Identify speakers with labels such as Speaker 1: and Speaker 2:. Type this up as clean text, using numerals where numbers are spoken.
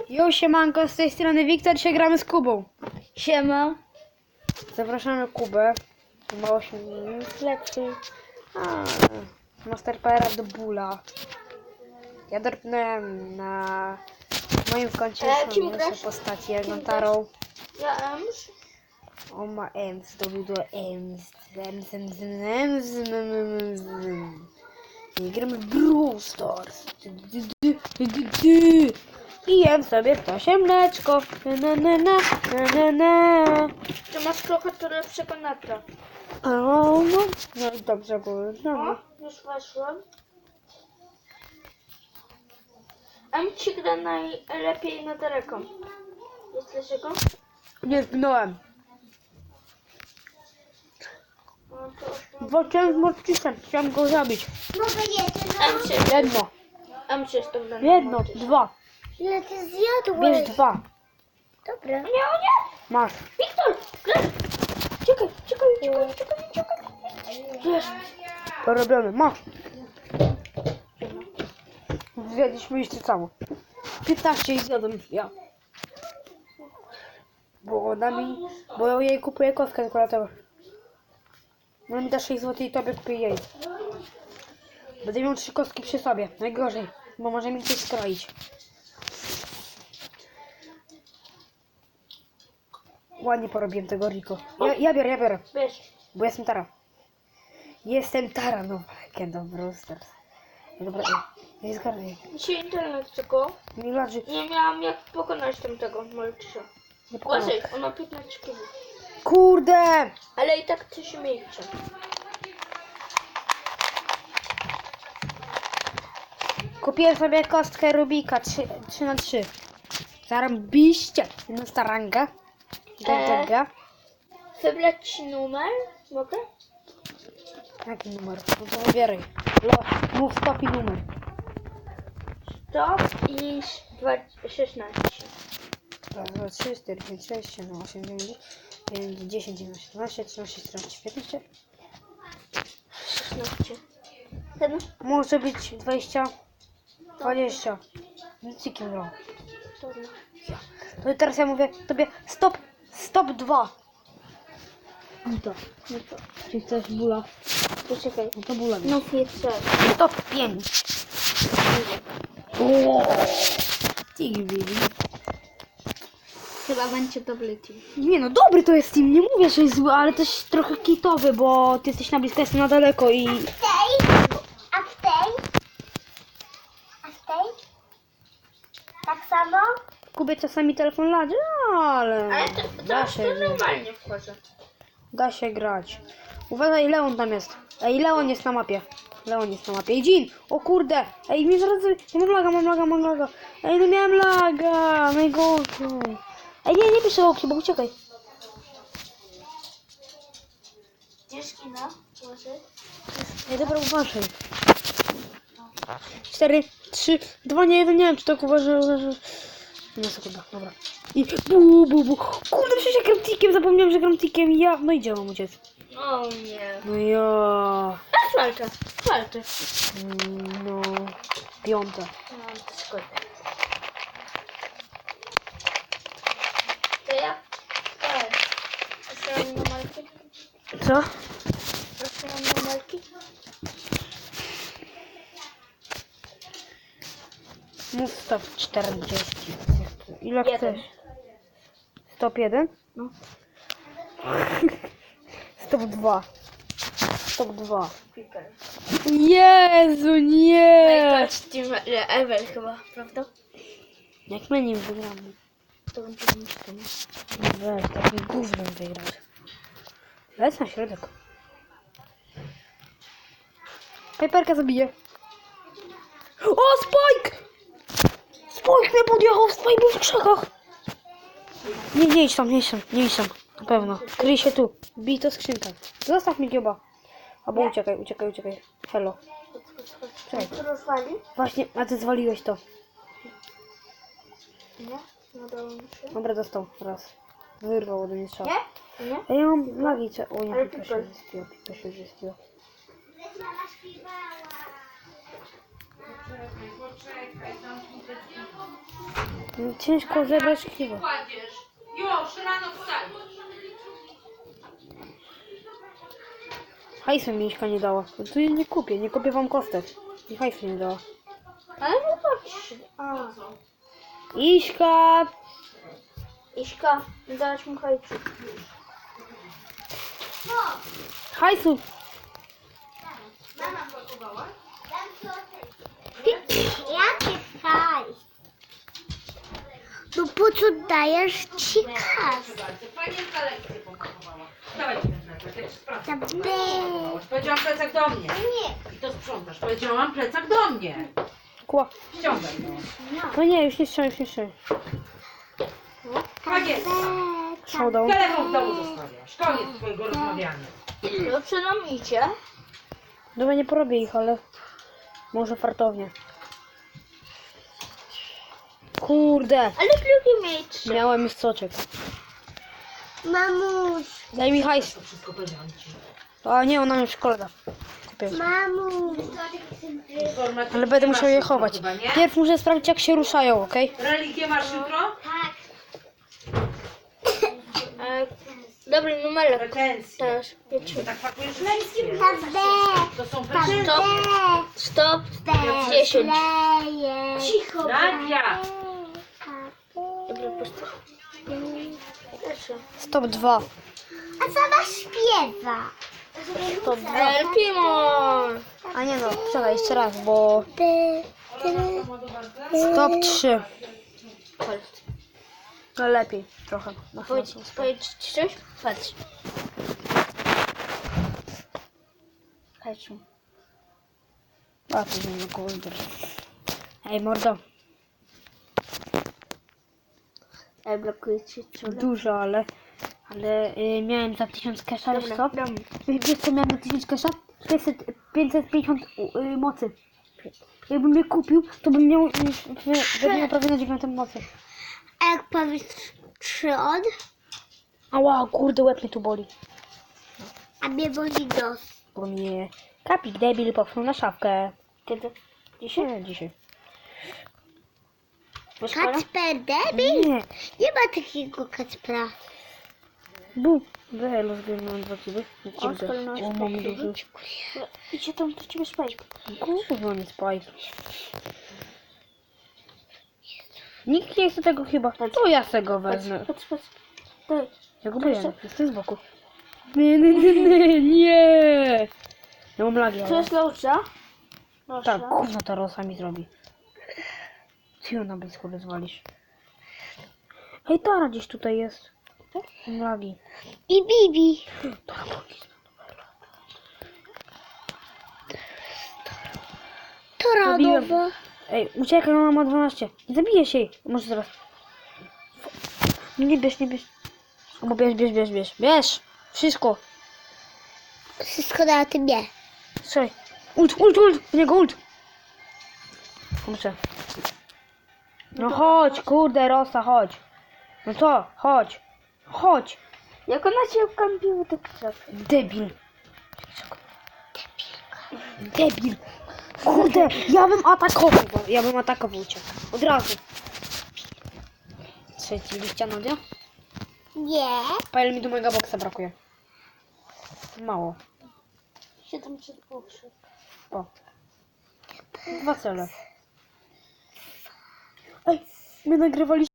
Speaker 1: Jo, siemanko, z tej strony Wiktor, dzisiaj gramy z Kubą.
Speaker 2: Siema.
Speaker 1: Zapraszamy Kubę. Ma 8 minut lepszy. Master Powera do bóla. Ja dorpnąłem na moim koncie
Speaker 2: kim
Speaker 1: są
Speaker 2: grasz?
Speaker 1: postaci Tarą.
Speaker 2: Ja Ems.
Speaker 1: On ma Ems, to był do Ems. I gramy w Brawl Stars. I jem sobie ptasie mleczko.
Speaker 2: Ty masz trochę to lepszego natra.
Speaker 1: No i dobrze było.
Speaker 2: O, już weszłem. Em ci gra najlepiej na daleko. Jest dlaczego?
Speaker 1: Nie zginąłem.
Speaker 2: No to
Speaker 1: Walczyłem z morcisem, chciałem go zabić.
Speaker 2: Em się,
Speaker 1: Jedno,
Speaker 2: Em się stąd
Speaker 1: jedno, dwa.
Speaker 3: Ile ty zjadłeś?
Speaker 1: Bierz dwa.
Speaker 3: Dobra.
Speaker 2: Nie, o nie!
Speaker 1: Masz.
Speaker 2: Wiktor! Czekaj. Jest.
Speaker 1: Porobiony, masz. Zjadliśmy jeszcze samo. 15 i zjadłem ja. Bo ona mi... Bo ja jej kupuję kostkę tylko dlatego. Ona mi da 6 zł i tobie kupię jej. Będę miał 3 kostki przy sobie. Najgorzej. Bo może mi coś skroić. Ładnie porobiłem tego Rico. Ja biorę.
Speaker 2: Wiesz,
Speaker 1: Bo jestem Tara. Jestem Tara, no. Kendo Brawl Stars. Dobra, nie zgarnij.
Speaker 2: dzisiaj internet tylko.
Speaker 1: Nie ladży.
Speaker 2: Nie miałam jak pokonać tamtego malczysia.
Speaker 1: Nie pokonam.
Speaker 2: Uważaj, on ma 15 kg.
Speaker 1: Kurde!
Speaker 2: Ale i tak coś miejcie.
Speaker 1: Kupiłem sobie kostkę Rubika 3×3. Zarobiście. Jedna staranga. Gaga.
Speaker 2: Wybrać ci numer? Mogę?
Speaker 1: Jaki numer? No to wybieraj. Mów stop i numer.
Speaker 2: Stop i 16.
Speaker 1: 2, 3, 4, 5, 6, 7, 8, 9, 9, 10, 11, 12, 13, 14, 15.
Speaker 2: 16. Ten?
Speaker 1: Może być 20, 20. Cykiem grał.
Speaker 2: Dobra.
Speaker 1: No i teraz ja mówię tobie stop 2. No to. Czy chcesz bóla?
Speaker 2: Poczekaj.
Speaker 1: No to bóla.
Speaker 2: No chcę.
Speaker 1: Stop 5. Baby.
Speaker 2: Chyba będzie dobry team.
Speaker 1: Nie no, dobry to jest team, nie mówię, że jest zły, ale też trochę kitowy, bo ty jesteś na blisko, jestem na daleko i...
Speaker 3: A w tej? A w tej? Tak samo?
Speaker 1: Kubie czasami telefon ladzi, no, ale
Speaker 2: Ale to
Speaker 1: da się,
Speaker 2: normalnie wchodzę.
Speaker 1: da się grać. Uważaj, Leon tam jest. Ej, Leon jest na mapie. Ej, Jean! O kurde! Ej, mi zaraz... Mam laga. Ej, no miałem laga! Najgorszy. Ej, nie piszę opcji, bo uciekaj.
Speaker 2: Gdzież kina? Może?
Speaker 1: Ej, dobra, uważaj. 4, 3, 2, nie, 1, nie wiem, czy tak uważaj. No sekunda, dobra. I bu. Kurde, przecież ja gram tikiem, zapomniałem, że gram tikiem i ja... No i gdzie mam uciec?
Speaker 2: O nie.
Speaker 1: No ja...
Speaker 2: A walczę.
Speaker 1: No... 5.
Speaker 2: No to szkoda. To ja? Tak. Otwieram numerki.
Speaker 1: Co?
Speaker 2: Otwieram numerki.
Speaker 1: Mów stop 40. Ile
Speaker 2: Jeden.
Speaker 1: chcesz? Stop 1?
Speaker 2: No.
Speaker 1: Stop 2. Stop 2.
Speaker 2: Piper.
Speaker 1: Jezu, nie!
Speaker 2: Najgorszy team ever chyba, prawda?
Speaker 1: Jak my nim wygramy?
Speaker 2: To będzie niszczone.
Speaker 1: Weź, takim gównem wygrać. Lec na środek. Piperka zabije. O, Spike! Spike mnie podjechał, Spike był w krzakach. Nie idź tam. Na pewno. Kryj się tu. Bij to skrzynkę. Zostaw mi kiełba. Albo uciekaj. Hello. Czekaj.
Speaker 2: To rozwali?
Speaker 1: Właśnie, a ty zwaliłeś to.
Speaker 2: Nie? Udało mi się.
Speaker 1: Dobra, dostał. Raz. Wyrwał ode mnie strzał.
Speaker 2: Nie? Nie?
Speaker 1: A ja mam lagi, co? O nie,
Speaker 2: Ale
Speaker 1: Pipa
Speaker 2: Piper.
Speaker 1: się zrespiła.
Speaker 3: Poczekaj, zamknij te drzwi.
Speaker 1: Ciężko zebrać kilo.
Speaker 4: Kładziesz. Już, rano wstań.
Speaker 1: Hajsu mi Miśka nie dała. No tu jej nie kupię wam kostek. I hajsu nie dała.
Speaker 2: Ale no patrz. A,
Speaker 1: Iśka!
Speaker 2: Iśka, dałaś mu hajcu.
Speaker 1: Hajsu!
Speaker 3: Jaki hajs? No po co dajesz ci kas?
Speaker 4: Bardzo. Panienka lekcję pompowała. Dawaj ten plecak, jak sprawdzę.
Speaker 3: Tablet.
Speaker 4: Powiedziałam plecak do mnie.
Speaker 3: Nie.
Speaker 4: I to sprzątasz. Powiedziałam plecak do mnie.
Speaker 1: Kła.
Speaker 4: Ściągaj no.
Speaker 1: No nie, już nie strzelaj, już nie strzelaj.
Speaker 4: Panienka.
Speaker 1: Szkoda.
Speaker 4: Telefon w domu zostawiasz. Koniec twojego rozmawiania.
Speaker 2: Dobrze nam idzie.
Speaker 1: Dobra, nie porobię ich, ale może fartownie. Kurde,
Speaker 2: Ale lubię mieć.
Speaker 1: miałem już soczek.
Speaker 3: Mamuś,
Speaker 1: Daj mi hajs.
Speaker 4: To wszystko powiedziałam ci.
Speaker 1: A nie, ona mi w szkole da. Kupię.
Speaker 3: mamuś.
Speaker 4: Informatycznie
Speaker 1: Ale będę musiał
Speaker 4: masz
Speaker 1: je
Speaker 4: jutro
Speaker 1: chować.
Speaker 4: chyba, nie?
Speaker 1: Pierw muszę sprawdzić, jak się ruszają, okej?
Speaker 4: Religię masz jutro?
Speaker 3: Tak.
Speaker 2: Dobry numerek
Speaker 4: Pretensje.
Speaker 2: też. Wiecie.
Speaker 4: Tak pakujesz lekcje.
Speaker 3: Tablet.
Speaker 4: To są
Speaker 3: Tablet.
Speaker 4: pretensje.
Speaker 2: Stop. 10.
Speaker 3: Leje.
Speaker 2: Cicho.
Speaker 4: Nadia.
Speaker 2: Dobra, postaw. Proszę.
Speaker 1: Stop 2.
Speaker 3: A sama śpiewa.
Speaker 1: Stop 2.
Speaker 2: El Primo.
Speaker 1: A nie no, czekaj, jeszcze raz, bo... Stop 3. No lepiej trochę. Na
Speaker 2: Powiedz ci coś? Patrz.
Speaker 1: Hejciu. A, to nie kurde. Ej, mordo.
Speaker 2: Ej, blokuje ci czule.
Speaker 1: Dużo, ale miałem za 1000 kesha, wiesz co?
Speaker 2: Dam.
Speaker 1: Wiesz co miałem za 1000 kesha? 550 mocy. Jakbym je kupił, to bym miał prawie na 9 mocy.
Speaker 3: A jak powiesz 3 od,
Speaker 1: Ała, kurde, łeb mnie tu boli.
Speaker 3: a mnie boli nos.
Speaker 1: Bo mnie kapik debil popchnął na szafkę.
Speaker 2: Kiedy?
Speaker 1: Dzisiaj? Nie, dzisiaj.
Speaker 3: Kacper debil?
Speaker 1: Nie.
Speaker 3: Nie ma takiego Kacpra.
Speaker 1: Bu. Wyhelo zgarnąłem 2 kiby.
Speaker 2: Oskar, no,
Speaker 1: O, mam duży.
Speaker 2: Idzie tam do ciebie spać.
Speaker 1: Kurwa, nie spaj. Nikt nie chce tego chyba. To ja se go wezmę.
Speaker 2: Patrz. Daj.
Speaker 1: Ja go boję, jestem z boku. Nie. Ja mam lagi,
Speaker 2: To
Speaker 1: ale...
Speaker 2: jest Lausza?
Speaker 1: Tak, gówno ta rosa mi zrobi. Ty ją na blisko wyzwalisz. Hej, Tara gdzieś tutaj jest. Mam lagi.
Speaker 3: I Bibi.
Speaker 1: Tara, bądź.
Speaker 3: To
Speaker 1: Zabiłem.
Speaker 3: radowa.
Speaker 1: Ej, uciekaj, ona ma 12. Nie zabijesz jej. Może zaraz. Nie bierz, nie bierz. Albo bierz. Bierz! Wszystko.
Speaker 3: Wszystko na tym nie.
Speaker 1: Słuchaj. Ult! W niego ult! Kurczę. No chodź, kurde, Rosa, chodź. No to, chodź. Chodź.
Speaker 2: Jak ona cię kampiła, to krzak.
Speaker 1: Debil. Debil. Kurde, ja bym atakował cię. Od razu. Trzeci liścia, Nadia?
Speaker 3: Nie.
Speaker 1: Pajel mi do mojego boksa brakuje. Mało.
Speaker 2: 700 poszedł.
Speaker 1: O. 2 cele. Ej, my nagrywaliśmy.